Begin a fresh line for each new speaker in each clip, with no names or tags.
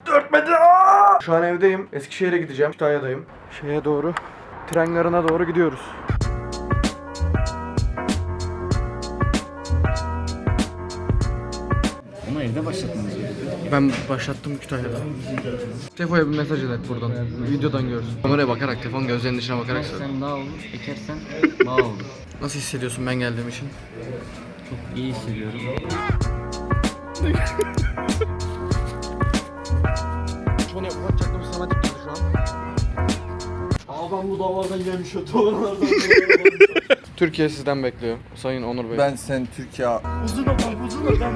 4 metre. Aa! Şu an evdeyim. Eskişehir'e gideceğim. Kütahya'dayım. Şeye doğru. Tren garına doğru gidiyoruz.
Onu evde başlattınız.
Ben başlattım Kütahya'da. Tefo'ya bir mesaj et buradan. Videodan görsün. Kameraya bakarak, telefon gözlerinin içine bakarak söyle.
Sen daha olur, ekersen daha olur.
Nasıl hissediyorsun ben geldiğim için?
Çok iyi hissediyorum.
Onu yapacaktım sana dikkat şu an.
Adam bu davardan gelmiş o davarlardan.
Türkiye sizden bekliyor Sayın Onur Bey.
Ben sen Türkiye...
Uzun adam.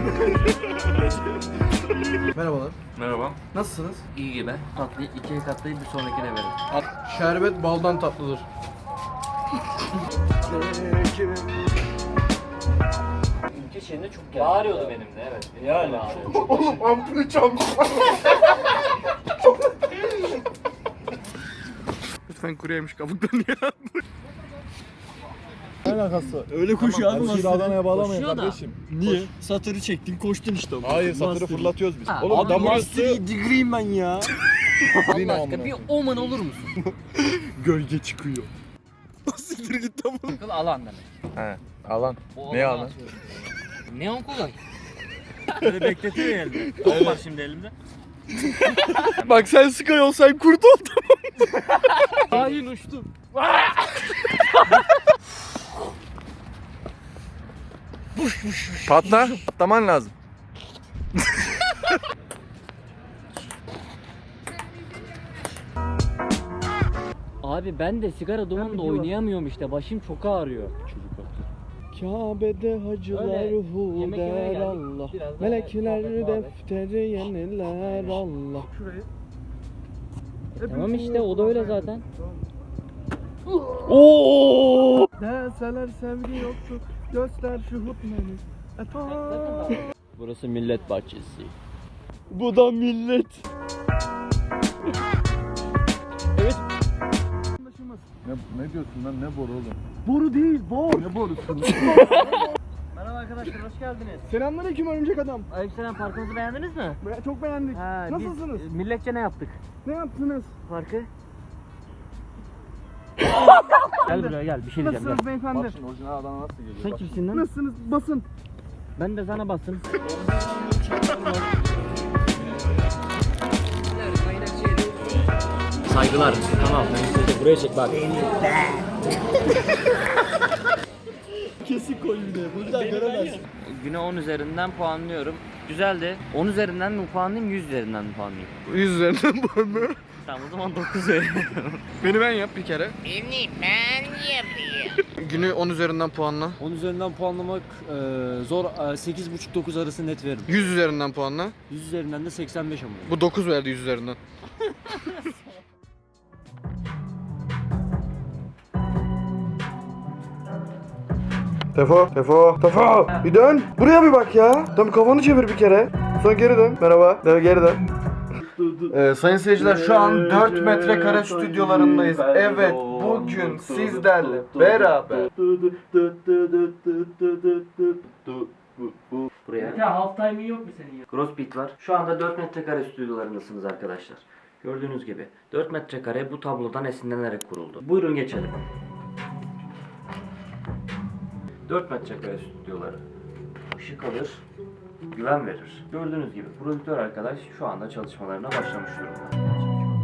Merhabalar.
Merhaba.
Nasılsınız?
İyi gibi. Tatlıyı ikiye katlayıp bir sonrakine verin.
Şerbet baldan tatlıdır.
Ülke şeyinde çok geldi. Bağırıyordu benim de evet.
Yani.
Oğlum ampulü çalmış. Lütfen kuru yemiş kabuktan ya.
Ne alakası? Öyle koşuyor abi. Şimdi Adana'ya bağlamayın
Koşuyor da.
kardeşim. Niye? Satırı çektin koştun işte.
Hayır, satırı fırlatıyoruz biz.
Ha,
Oğlum
ama
adam
master
burası digriyim ben ya.
Allah aşkına bir oman olur musun?
Gölge çıkıyor.
Siktir git tamam.
Akıl alan demek.
He, alan.
O
Ne
alanı
alan?
atıyorum. Neon kolay. Böyle bekletiyor ya elimde. Top var şimdi elimde.
Bak sen Sky olsan kurt ol tamam.
Hain uçtum.
Patla. Patlaman lazım.
Abi ben de sigara dumanında oynayamıyorum işte. Başım çok ağrıyor.
Kabe'de hacılar
Öyle.
hu
Yemek yemeye
der
geldik.
Allah.
Biraz daha
Melekler
muhabbet, muhabbet.
defteri yeniler Allah.
Şurayı.
Tamam işte o da öyle zaten.
Oo! Deseler sevgi yoktu. Göster şu hutmeni.
Burası millet bahçesi.
Bu da millet. Evet.
Ne diyorsun lan, ne boru oğlum?
Boru değil, bor.
Ne borusun?
Merhaba arkadaşlar hoş geldiniz.
Selamünaleyküm örümcek adam.
Aleykümselam parkımızı beğendiniz mi?
Çok beğendik.
Ha,
Nasılsınız?
Biz, milletçe ne yaptık?
Ne yaptınız?
Parkı? Gel buraya gel bir şey diyeceğim
Nasılsınız beyefendi?
Bak şimdi orijinal Adana nasıl geliyor?
Sen
Bak.
kimsin lan?
Nasılsınız? Basın.
Ben de sana bastım. Saygılar. Tamam. Buraya çek bak.
Kesik koy bir de. Buradan göremezsin.
Güne 10 üzerinden puanlıyorum. Güzeldi. 10 üzerinden mi puanlayayım, 100 üzerinden mi puanlayayım?
100 üzerinden bu mu?
Tamam o zaman 9 veriyorum.
Beni ben yap bir kere.
Beni ben yapayım.
Günü 10 üzerinden puanla.
10 üzerinden puanlamak zor. 8,5-9 arası net veririm.
100 üzerinden puanla.
100 üzerinden de 85 ama.
Bu 9 verdi 100 üzerinden. Tefo. Bir dön. Buraya bir bak ya. Tam kafanı çevir bir kere. Sonra geri dön. Merhaba. Geri dön. Sayın seyirciler şu an 4 metrekare stüdyolarındayız. Evet bugün sizlerle beraber.
Buraya. Ya half time'in yok mu senin ya? Crossbeat var. Şu anda 4 metrekare stüdyolarındasınız arkadaşlar. Gördüğünüz gibi 4 metrekare bu tablodan esinlenerek kuruldu. Buyurun geçelim. 4 metrekare stüdyoları. Işık alır, güven verir. Gördüğünüz gibi prodüktör arkadaş şu anda çalışmalarına başlamış durumda.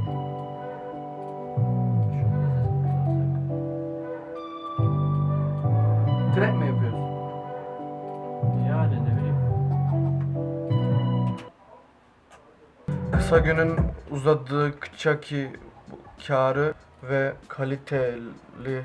Trap mi yapıyoruz?
Yani ne bileyim.
Kısa günün uzadıkça ki kârı ve kaliteli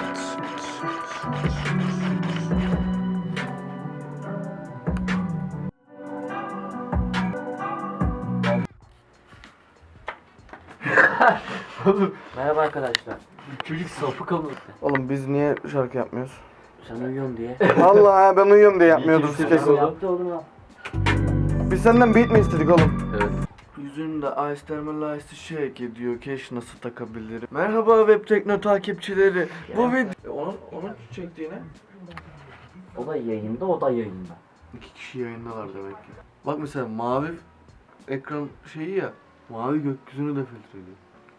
Merhaba arkadaşlar. Çocuk sapık ama.
Oğlum biz niye şarkı yapmıyoruz?
Sen uyuyorsun diye.
Vallahi ben uyuyorum diye yapmıyorduk kesin.
Yaptı oğlum ya.
Biz senden beat mi istedik oğlum? Evet. Yüzünde Ice Thermal Ice shake ediyor. Keş nasıl takabilirim? Merhaba Web Tekno takipçileri. Bu video... Onun çektiğine?
O da yayında, o da yayında.
2 kişi yayındalar demek ki. Bak mesela mavi ekran şeyi ya. Mavi gökyüzünü de filtreliyor.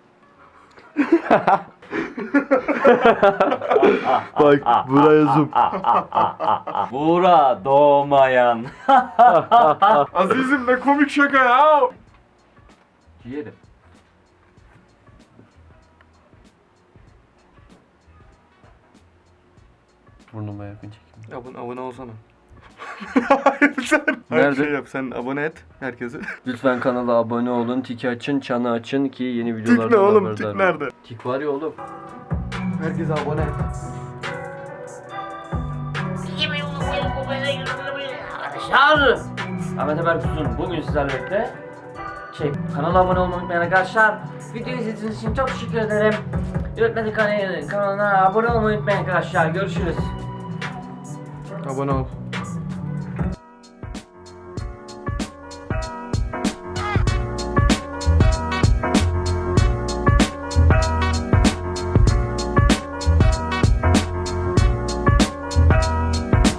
Bak buraya zoom.
Buğra doğmayan.
Azizim ne komik şaka ya.
Yerim.
Burnuma yakın çekim.
Abone olsana. Hayır sen.
Nerede?
Şey yap sen abone et herkese.
Lütfen kanala abone olun, tiki açın, çanı açın ki yeni
Tik
videolardan
ne oğlum?
haberdar
Tik
olun.
nerede?
Tik var ya oğlum.
Herkese abone et.
Arkadaşlar. Ahmet Haber Kutusu'nun bugün sizlerle birlikte kanala abone olmayı unutmayın arkadaşlar. Videoyu izlediğiniz için çok teşekkür ederim. Yönetmenin kanalına abone olmayı unutmayın arkadaşlar. Görüşürüz.
Abone ol.